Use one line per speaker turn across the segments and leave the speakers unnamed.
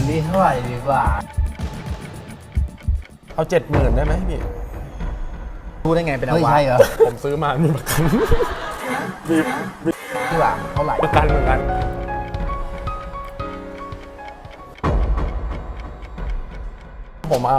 นี้เท่าไหร่ดีกว่า
เอา70,000ได้ไหมพี่
รู้ได้ไงเป็นอวะ
ใช่เหรอผมซื้อมามีประกันมี
ที่ว่าเท่าไหร่
ประกันเหมือนกันผมเอา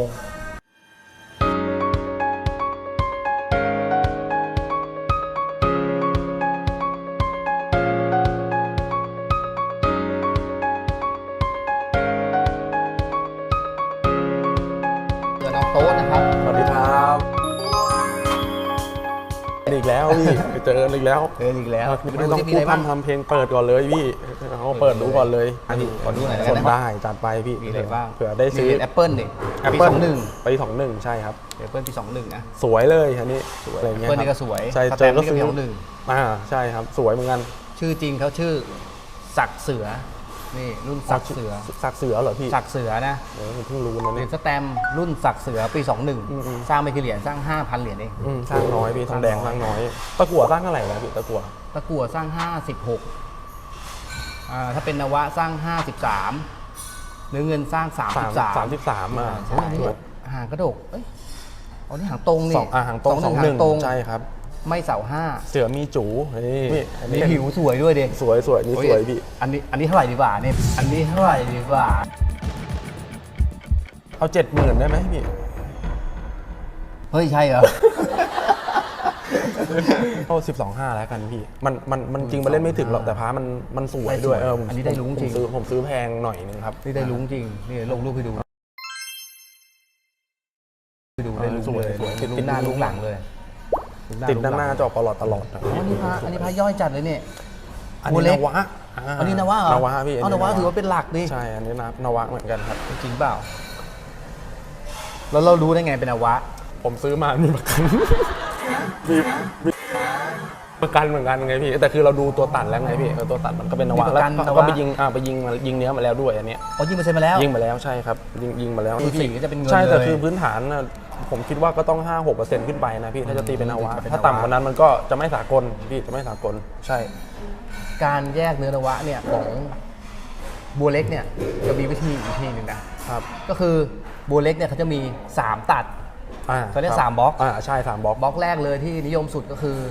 น้องโต๊ะนะครับ
สวัสดีครับอีกแล้วพี่ไปเจอกันอีกแล้วไม่ต้องพูดทำเพลงเปิดก่อนเลยพี่เอาเปิดดูก่อนเลย
อันนี้ขอดูหน่อย
สดได้จัดไปพี่
มีอะไรบ้าง
เผื่อได้ซื้อ
Apple นี่ปี21
ปี21ใช่ครับ
Apple ปี21นะ
สวยเลยอันนี้อะไรเงี้ย
Apple นี่ก็สวย
ใช่เจอก็ซื้อใช่ครับสวยเหมือนกัน
ชื่อจริงเขาชื่อศักดิ์เสือนี่รุ่นศักดิ์เสือ
เหรอพี่
ศักดิ์เสือนะ
เพิ่งรู้นะ
เหรียญสแตมป์รุ่นศักดิ์เสือปี21สร้างไม่กี่เหรียญสร้าง 5,000 เหรียญเอง
สร้างน้อยพี่ทองแดงสร้างน้อยตะกั่วสร้างเท่าไหร่แล้วพี่ตะกั่ว
สร้าง56ถ้าเป็นนวะสร้าง53เนื้อเงินสร้าง33หางกระดกอ๋อนี่หางตรงนี่
หางตรง21ใช่ครับ
ไม่เสา5
เสือมีจู
นี่ผิวสวยด้วยดิ
สวยนี่สวยพี่
อันนี้เท่าไหร่ดีกว่าเนี่ยอันนี้เท่าไหร่ดีกว่า
เอา70,000ได้ไหมพี่
เฮ้ยใช่เหรอ
เอา12.5แล้วกันพี่มันจริงมันเล่นไม่ถึงหรอกแต่พามันสวยด้วย
อันนี้ได้ลุ้งจริง
ผมซื้อแพงหน่อยนึงครับ
นี่ได้ลุ้งจริงนี่ลงรูปให้ดูได้ลุ้งเลยติดหน้าลุ้งหลังเลย
ติดด้านหน้าจอตลอด
อันนี้พระย่อยจัดเลยเนี่ย
อันนี้นวะ
อันนี้นวะเหรอน
วะพี่
นวะถือว่าเป็นหลักดิ
ใช่อันนี้นวะเหมือนกันครับ
จริงเปล่าแล้วเรารู้ได้ไงเป็นนวะ
ผมซื้อมามีประกันมีประกันเหมือนกันไงพี่แต่คือเราดูตัวตัดแล้วไงพี่ตัวตัดมันก็เป็นนวะแล้วก็ไปยิงเนื้อมาแล้วด้วยอันนี้
ยิงมาใช่มาแล้ว
ยิงมาแล้วใช่ครับยิงมาแล้ว
สีก็จะเป็นเงิน
ใช่แต่คือพื้นฐานผมคิดว่าก็ต้อง 5-6% ขึ้นไปนะพี่ถ้าจะตีเป็นนวะถ้าต่ำกว่านั้นมันก็จะไม่สากลพี่จะไม่สากลใช่
การแยกเนื้อนวะเนี่ยของบัวเล็กเนี่ยจะมีวิธีอีกทีหนึ่งนะครับก็คือบัวเล็กเนี่ยเขาจะมี3ตัดเขาเรียก3บล็อก
ใช่3บล็อก
แรกเลยที่นิยมสุดก็คือน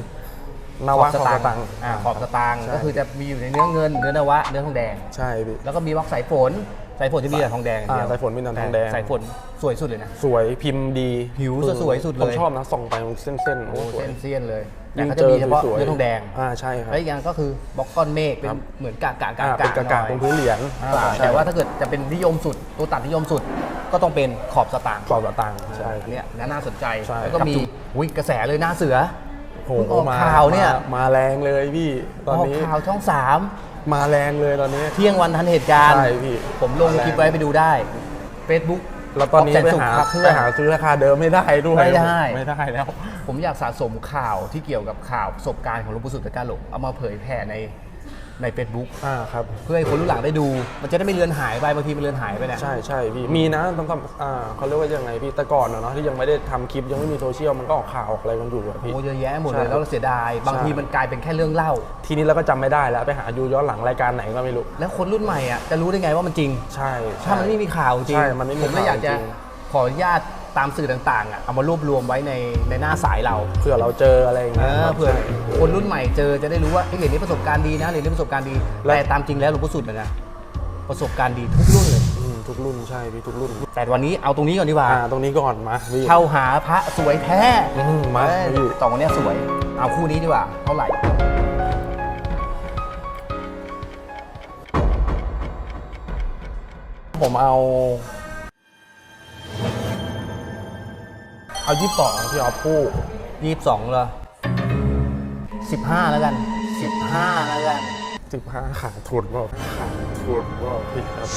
วะขอบสตางค์
ขอบสตางค์ก็คือจะมีอยู่ในเนื้อเงินเนื้อนวะเนื้อทองแดง
ใช่พี่
แล้วก็มีบล็อกสายฝนจะมีแต่ทองแดงอย่างเดียว
สายฝนมีแต่ทองแดง
สายฝนสวยสุดเลยนะ
สวยพิมพ์ดี
ผิวสวยสุดเลย
ผมชอบนะส่องไปเส้น
เส้นเลยแต่เขาจะมีเฉพาะเนื้อทองแดง
ใช่ครับ
แล้วอีกอย่างก็คือบล็อกก้อนเมฆเป็นเหมือนกาก
ตรงพื้นเหรียญ
แต่ว่าถ้าเกิดจะเป็นนิยมสุดตัวตัดนิยมสุดก็ต้องเป็นขอบสตางค์
ใช่
อันนี้น่าสนใจแล้วก็มีกระแสเลยหน้าเสือ
โอ้โหข่าวเนี่ยมาแรงเลยพี่ตอนนี้
ข่าวช่อง3
มาแรงเลยตอนนี้
เที่ยงวันทันเหตุการณ์
ใช่พี่
ผมลงคลิปไว้ไปดูได้ Facebook
แล้วตอนนี้ไปหาซื้อราคาเดิมไม่ได้ด้วย
ไม่ได้
แล้ว
ผมอยากสะสมข่าวที่เกี่ยวกับข่าวประสบการณ์ของหลวงปู่สุตตะการหลงเอามาเผยแผ่ใน Facebook
ครับ
เพื่อให้คนรุ่นหลังได้ดูมันจะได้ไม่เลือนหายไปบางทีมันเลือนหายไปเนี่ย
ใช่พี่มีนะต้องเขาเรียกว่ายังไงพี่แต่ก่อนเนาะที่ยังไม่ได้ทำคลิปยังไม่มีโซเชียลมันก็ออกข่าวอะไรกันอยู่พี่
โอ้เยอะแยะหมดเลยแล้วเราเสียดายบางทีมันกลายเป็นแค่เรื่องเล่า
ทีนี้เราก็จำไม่ได้แล้วไปหาดูย้อนหลังรายการไหนก็ไม่รู้
แล้วคนรุ่นใหม่จะรู้ได้ไงว่ามันจริง
ใช่
ถ้ามันไม่มีข่าวจริงผมเลยอยากจะขออนุญาตตามสื่อต่างๆเอามารวบรวมไว้ในหน้าสายเรา
เผื่อเราเจออะไรอย่างเงี้ย
เผื่อคนรุ่นใหม่เจอจะได้รู้ว่าเหรียญนี้ประสบการณ์ดีนะเหรียญนี้ประสบการณ์ดีแต่ตามจริงแล้วหลวงปู่สุดนะประสบการณ์ดีทุกรุ่นเลย
ทุกรุ่นใช่พี่ทุกรุ่น
แต่วันนี้เอาตรงนี้ก่อนดีกว่า
ตรงนี้ก่อนมา
เช่าหาพระสวยแท้
มา
ต่อวันนี้สวยเอาคู่นี้ดีกว่าเท่าไหร่
ผมเอา22พี่ออฟคู่
22เหรอ15แล้วกัน15แล้วกัน
15ขาดทุนเปล่าพี่ครับ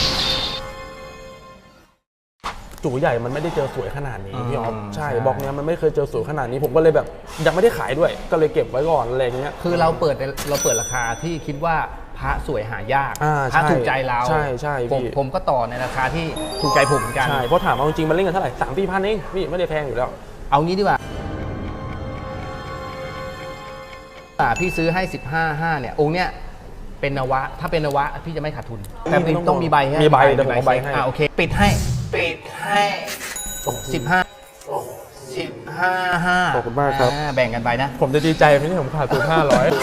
จู่ใหญ่มันไม่ได้เจอสวยขนาดนี้พี่ออฟใช่บล็อกเนี้ยมันไม่เคยเจอสวยขนาดนี้ผมก็เลยแบบยังไม่ได้ขายด้วยก็เลยเก็บไว้ก่อนอะไรเงี้ย
คือเราเปิดราคาที่คิดว่าพระสวยหายากถ้าถูกใจเรา
ใช่
ผมก็ต่อในราคาที่ถูกใจผมเหมือนกัน
ใช่เพราะถามเอาจริงมันเล่นกันเท่าไหร่3-4 พันเองพี่ไม่ได้แพงอยู่แล้ว
เอางี้ดีกว่าพี่ซื้อให้15,500เนี่ยองค์เนี้ยเป็นนวะถ้าเป็นนวะพี่จะไม่ขาดทุน แต่ต้องมีใบฮะ
มีใบเดี๋ยวผมเอาใบให้
โอเคปิดให้15 15
ขอบคุณมากครับ
แบ่งกันไปนะ
ผมจะดีใจไหมที่ผมขาดทุน500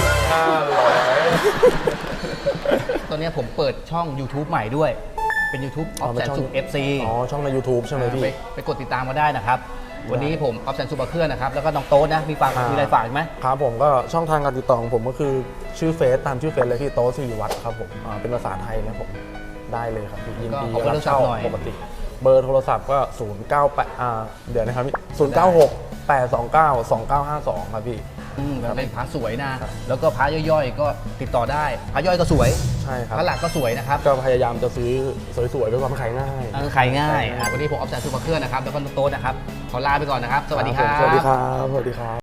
ตอนนี้ผมเปิดช่อง YouTube ใหม่ด้วย เป็น YouTube ออฟ
เป็
แส
น
น
ช่อง
สุข FC
อ๋อช่องใน YouTube ใช่ไหมพี่
ไปกดติดตามมาได้นะครับ วันนี้ผมออฟแสนสุขเคลื่อนนะครับ แล้วก็น้องโต๊ดนะ มีอะไรฝากอีกไหม
ครับผมก็ช่องทางการติดต่อของผมก็คือชื่อเฟซตามชื่อเฟซเลยพี่โต๊ะสิริวัฒน์ครับผมเป็นภาษาไทยนะผมได้เลยครับพี่ยินดี
ก็ขอเบอร์โทรศัพท์หน่อย
ปกติ เบอร์โทรศัพท์ก็098เดี๋ยวนะครับ096 829 2952ครับพี่
มันเป็นพระสวยนะ แล้วก็พระย่อยๆ ก็ติดต่อได้ พระย่อยก็สวย
ใช่ครับ
พระหลักก็สวยนะครับ
ก็พยายามจะซื้อสวยๆด้วยความขายง่าย
ขายง่ายวันนี้ผมออฟแสนสุขเคลื่อนนะครับ แล้วก็น้องโต๊ดนะครับ ขอลาไปก่อนนะครับ สวัสดีครับ
สวัสดีครับสวัสดีครับ